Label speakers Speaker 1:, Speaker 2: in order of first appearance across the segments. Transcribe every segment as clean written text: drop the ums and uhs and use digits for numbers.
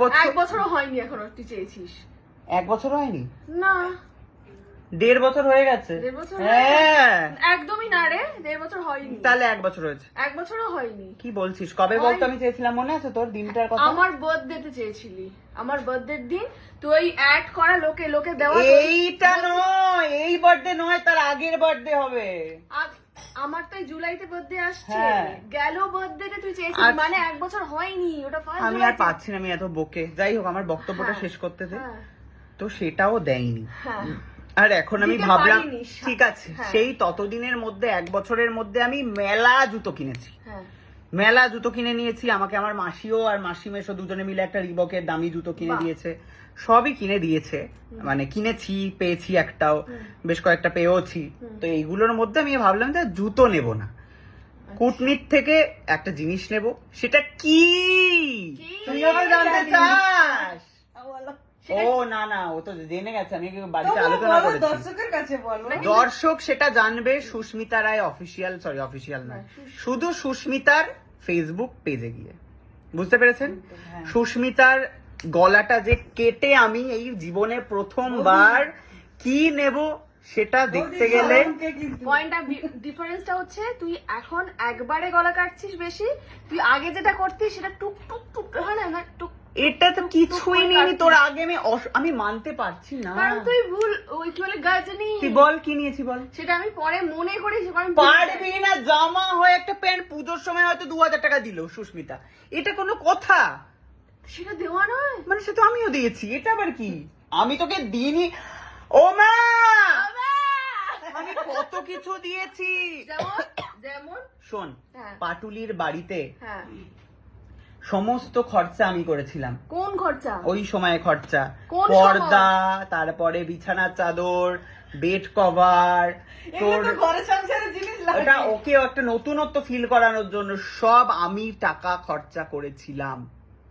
Speaker 1: বছর,
Speaker 2: 1 বছরও হয়নি এখনো তুই চেয়েছিস।
Speaker 1: 1 বছর হয়নি?
Speaker 2: না
Speaker 1: 1.5 বছর হয়ে গেছে।
Speaker 2: 1.5 বছর
Speaker 1: হ্যাঁ
Speaker 2: একদমই না রে, 1.5 বছর হয়নি।
Speaker 1: তাহলে 1 বছর হয়েছে।
Speaker 2: 1 বছরও হয়নি।
Speaker 1: কি বলছিস? কবে বলতো আমি চেয়েছিলাম, মনে আছে তোর দিনটার কথা?
Speaker 2: আমার বার্থডেতে চেয়েছিলি, আমার বার্থডের দিন তুই অ্যাড করা লোকে দেওয়া।
Speaker 1: এইটা নয়, এই বার্থডে নয়, তার আগের বার্থডে হবে।
Speaker 2: আমার তো জুলাইতে বার্থডে আসছে,
Speaker 1: হ্যাঁ।
Speaker 2: গেল বার্থডেতে তুই চেয়েছিলি, মানে 1 বছর হয়নি। ওটা ফার্স্ট
Speaker 1: আমি আর পাচ্ছি না, আমি এত বকে। যাই হোক, আমার বক্তব্যটা শেষ করতে দে।
Speaker 2: হ্যাঁ
Speaker 1: তো সেটাও দেয়নি।
Speaker 2: হ্যাঁ
Speaker 1: আর এখন আমি
Speaker 2: দিতে
Speaker 1: ভাবলাম
Speaker 2: পারিনি।
Speaker 1: ঠিক আছে,
Speaker 2: হ্যাঁ।
Speaker 1: সেই ততদিনের মধ্যে 1 বছরের মধ্যে আমি মেলা জুতো কিনেছি,
Speaker 2: হ্যাঁ
Speaker 1: মেলা জুতো কিনে নিয়েছি। আমাকে আমার মাসিও আর মাসি মেশো দুজনে মিলে একটা রিবকের দামি জুতো কিনে
Speaker 2: বাহ।
Speaker 1: দিয়েছে, সবই কিনে দিয়েছে। মানে কিনেছি, পেয়েছি, একটাও বেশ কয়েকটা পেয়েওছি। তো এইগুলোর মধ্যে আমি ভাবলাম যে জুতো নেব না, কুটনির থেকে একটা জিনিস নেব। সেটা কি তুই আবার জানতে চাস? ও না না, ও তো জেনে গেছে, আমি বাড়িতে আলোচনা করেছি।
Speaker 3: দর্শকের কাছে বলো।
Speaker 1: দর্শক সেটা জানবে Susmita Roy official, sorry official নয়, শুধু সুস্মিতার ফেসবুক পেজে গিয়ে। বুঝতে পেরেছেন? সুস্মিতার গলাটা যে কেটে আমি এই জীবনে প্রথমবার কি নেব সেটা দেখতে গেলে
Speaker 2: পয়েন্টটা, ডিফারেন্সটা হচ্ছে তুই এখন একবারে গলা কাটছিস বেশি, তুই আগে যেটা করতিস সেটা টুক টুক টুক হয় না টুক।
Speaker 1: এটা তো কিছুই নেই তোর আগে। আমি মানতে পারছি না,
Speaker 2: কারণ তুই ভুল ওই কি বলে গাজনি।
Speaker 1: তুই বল কি নিয়েছি বল।
Speaker 2: সেটা আমি পরে মনে করেছি, কারণ
Speaker 1: পারবি না, জামা হয় একটা প্যান্ট, পুজোর সময় হয়তো 2000 টাকা দিল সুস্মিতা, এটা কোনো কথা?
Speaker 2: সেটা দেওয়া নয়।
Speaker 1: মানে সে তো আমিও দিয়েছি, এটা আবার কি? আমি তোকে দিইনি? ও মা, আমি কত কিছু দিয়েছি।
Speaker 2: যেমন যেমন
Speaker 1: শোন,
Speaker 2: হ্যাঁ।
Speaker 1: পাটুলির বাড়িতে
Speaker 2: হ্যাঁ
Speaker 1: সমস্ত খরচা আমি করেছিলাম।
Speaker 2: কোন খরচা?
Speaker 1: ওই সময় খরচা,
Speaker 2: কোন
Speaker 1: পর্দা, তারপরে বিছানার চাদর, বেড কভার, তোর
Speaker 3: ঘরে সংসারের জিনিস লাগে।
Speaker 1: ওটা ওকে একটা নতুনত্ব ফিল করানোর জন্য সব আমি টাকা খরচা করেছিলাম।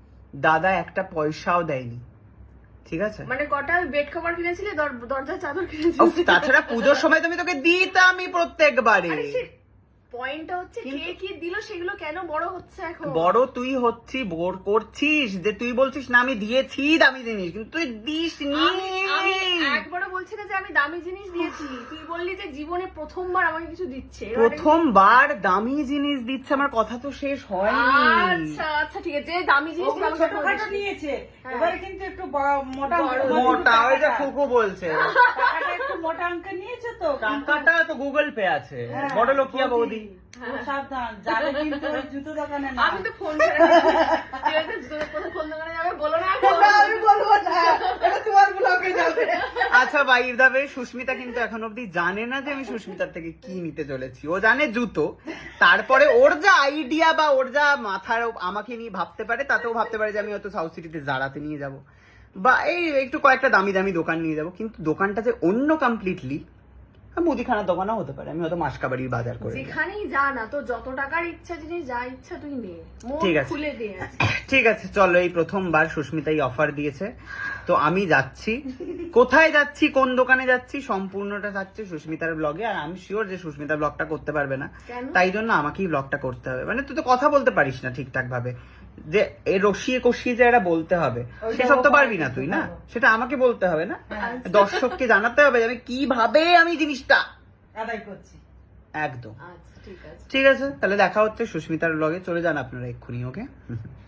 Speaker 1: দাদা একটা পয়সাও দেয়নি, ঠিক আছে?
Speaker 2: মানে কটা বেড কভার কিনেছিলি, দরজার চাদর কিনেছিলি?
Speaker 1: উফ, তাছাড়া পুজোর সময় তুমি তোকে দিতামই প্রত্যেকবারে।
Speaker 2: পয়েন্টটা হচ্ছে কে কি দিল সেগুলো কেন বড় হচ্ছে এখন?
Speaker 1: বড় তুই হচ্ছি, বোর করছিস যে তুই বলছিস না আমি দিয়েছি দামি জিনিস, কিন্তু তুই দিস নি।
Speaker 2: আমি একবারও বলছি না যে আমি দামি জিনিস দিয়েছি, তুই বললি যে জীবনে প্রথমবার আমাকে কিছু দিচ্ছে।
Speaker 1: প্রথমবার দামি জিনিস দিচ্ছে, আমার কথা তো শেষ হয়নি।
Speaker 2: আচ্ছা আচ্ছা ঠিক আছে, যে দামি জিনিস
Speaker 3: ওগুলো
Speaker 2: আমাকে
Speaker 3: ছোটখাটো
Speaker 2: বলিস।
Speaker 3: নিয়েছে,
Speaker 2: হ্যাঁ।
Speaker 3: এবারে কিন্তু একটু মোটা
Speaker 1: মোটা, ওই যে খুকু বলছে
Speaker 3: টাকাটা একটু মোটা অঙ্কে নিয়েছে তো।
Speaker 1: টাকাটা তো গুগল পে আছে, বড় লোকিয়া বৌদি।
Speaker 3: সাবধান, যাবে কিন্তু ওই জুতো দোকানে না।
Speaker 2: আমি তো ফোন করে তুই হয়তো কোথাও ফোন দোকানে যাবে, বলো না এখন।
Speaker 3: আমি বলবো না, এটা তোমার ব্লগে যাবে।
Speaker 1: আচ্ছা বাইর দাবে, সুস্মিতা কিন্তু এখন অব্দি জানে না যে আমি সুস্মিতার থেকে কি নিতে চলেছি। ও জানে জুতো, তারপরে ওর যা আইডিয়া বা ওর যা মাথার আমাকে নিয়ে ভাবতে পারে, তাতেও ভাবতে পারে যে আমি হয়তো সাউথ সিটিতে জারাতে নিয়ে যাব, বা এই একটু কয়েকটা দামি দামি দোকান নিয়ে যাব। কিন্তু দোকানটা যে অন্য কমপ্লিটলি, মুদিখানার দোকানও হতে পারে, আমি হয়তো মাসকাবাড়ির বাজার করে নেব।
Speaker 2: যেখানেই যা না, তো যত টাকার ইচ্ছা জিনিস যা ইচ্ছা তুই নে, মন
Speaker 1: ঠিক আছে।
Speaker 2: খুলে দে।
Speaker 1: ঠিক আছে চলো, এই প্রথমবার সুস্মিতা এই অফার দিয়েছে, তো আমি যাচ্ছি। কোথায় যাচ্ছি, কোন দোকানে যাচ্ছি, সম্পূর্ণটা থাকছে সুস্মিতার ব্লগে। আর আমি শিওর যে সুস্মিতা ব্লগটা করতে পারবে না,
Speaker 2: কেন?
Speaker 1: তাই জন্য আমাকেই ব্লগটা করতে হবে। মানে তুই তো কথা বলতে পারিস না ঠিকঠাক ভাবে, যে এই রসিয়ে কষিয়ে যে এটা বলতে হবে সেসব তো পারবি না তুই, না সেটা আমাকে বলতে হবে না, দর্শককে জানাতে হবে যে আমি কিভাবে আমি জিনিসটা
Speaker 3: আদায় করছি।
Speaker 1: একদম।
Speaker 2: আচ্ছা ঠিক আছে।
Speaker 1: ঠিক আছে, তাহলে দেখা হচ্ছে সুস্মিতার ব্লগে। চলে যান আপনারা এক্ষুনি, ওকে?